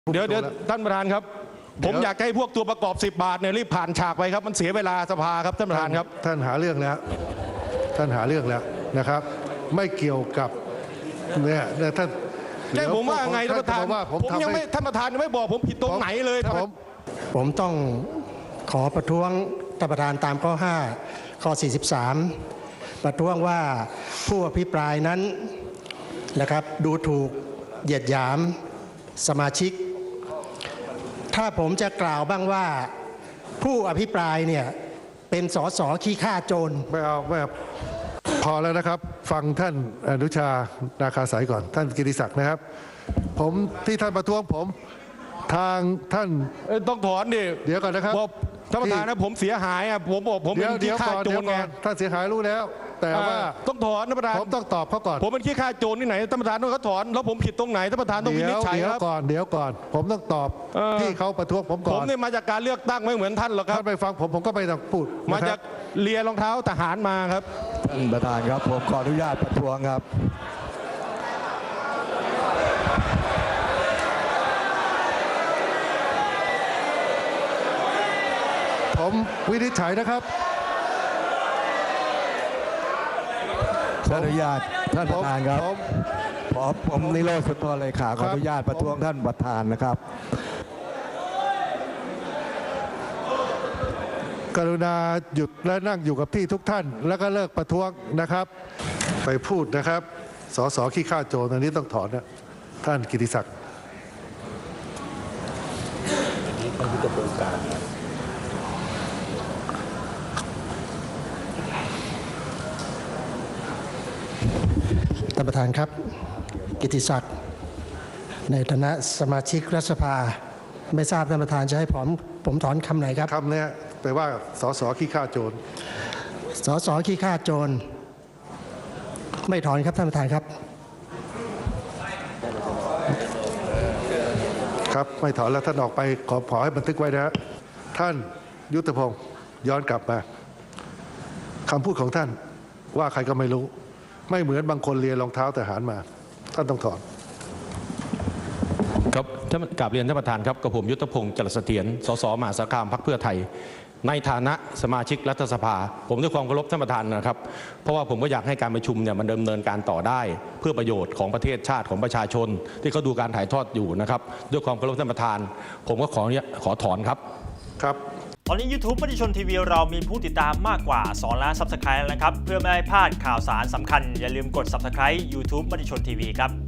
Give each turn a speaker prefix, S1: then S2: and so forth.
S1: เดี๋ยวท่านประธานครับผมอยากให้พวกตัวประกอบ10 บาทเนี่ยรีบผ่านฉากไปครับมันเสียเวลาสภาครับท่านประธานครับ
S2: ท่านหาเรื่องแล้วนะครับ ไม่เกี่ยวกับเนี่ยท่าน
S1: ใช่ผมว่าไงท่านประธานผมยังไม่ท่านประธานยังไม่บอกผมผิดตรงไหนเลย
S3: ผมต้องขอประท้วงท่านประธานตามข้อ5ข้อ43ประท้วงว่าผู้อภิปรายนั้นนะครับดูถูกเหยียดหยามสมาชิกถ้าผมจะกล่าวบ้างว่าผู้อภิปรายเนี่ยเป็นสสขี้ข้าโจร
S2: ไม่เอาพอแล้วนะครับฟังท่านอนุชานาคาสายก่อนท่านกิติศักดิ์นะครับผมที่ท่านประท้วงผมทางท่าน
S1: ต้องถอนดิ
S2: เดี๋ยวก่อนนะครับ
S1: ท่านประธานนะผมเสียหายอ่ะผมบอกผมเป็นขี้ข้าโจรไง
S2: ท่านเสียหายรู้แล้วแต่ว่า
S1: ต้องถอนท่านประธาน
S2: ผมต้องตอบเขาก่อน
S1: ผมเป็นขี้ข้าโจรที่ไหนท่านประธานต้องเขาถอนแล้วผมผิดตรงไหนท่านประธานต้องวินิจฉัยครับ
S2: เดี๋ยวก่อนผมต้องตอบที่เขาประท้วงผมก่อน
S1: ผมเนี่ยมาจากการเลือกตั้งไม่เหมือนท่านหรอกครับ
S2: ท่านไปฟังผมก็ไม่ต้องพูด
S1: มาจากเลียรองเท้าทหารมาครับ
S4: ท่านประธานครับผมขออนุญาตประท้วงครับ
S2: ผมวินิจฉัยนะครับ
S4: ขออนุญาตท่านประธานครับผมนิโรธสุนทรเลขาขออนุญาตประท้วงท่านประธานนะครับ
S2: กรุณาหยุดและนั่งอยู่กับที่ทุกท่านแล้วก็เลิกประท้วงนะครับไปพูดนะครับสสขี้ข้าโจรอันนี้ต้องถอนนะท่านกิติศักดิ์
S3: ท่านประธานครับกิติศักดิ์ในฐานะสมาชิกรัฐสภาไม่ทราบท่านประธานจะให้ผมถอนคำไหนครับ
S2: คำนี้แปลว่าสสขี้ข้าโจร
S3: สสขี้ข้าโจรไม่ถอนครับท่านประธานครับ
S2: ครับไม่ถอนแล้วท่านออกไปขอให้บันทึกไว้นะท่านยุทธพงศ์ย้อนกลับมาคำพูดของท่านว่าใครก็ไม่รู้ไม่เหมือนบางคนเรียนรองเท้าทหารมาท่านต้องถอน
S1: ครับท่านกราบเรียนท่านประธานครับกับผมยุทธพงศ์จรัสเสถียรสสมหาสารคามพรรคเพื่อไทยในฐานะสมาชิกรัฐสภาผมด้วยความเคารพท่านประธานนะครับเพราะว่าผมก็อยากให้การประชุมเนี่ยมันดำเนินการต่อได้เพื่อประโยชน์ของประเทศชาติของประชาชนที่เขาดูการถ่ายทอดอยู่นะครับด้วยความเคารพท่านประธานผมก็ขอถอนครับ
S2: ครับ
S5: ตอนนี้ YouTube มติชนทีวีเรามีผู้ติดตามมากกว่า2 ล้าน Subscribe แล้วนะครับเพื่อไม่ให้พลาดข่าวสารสำคัญอย่าลืมกด Subscribe YouTube มติชนทีวีครับ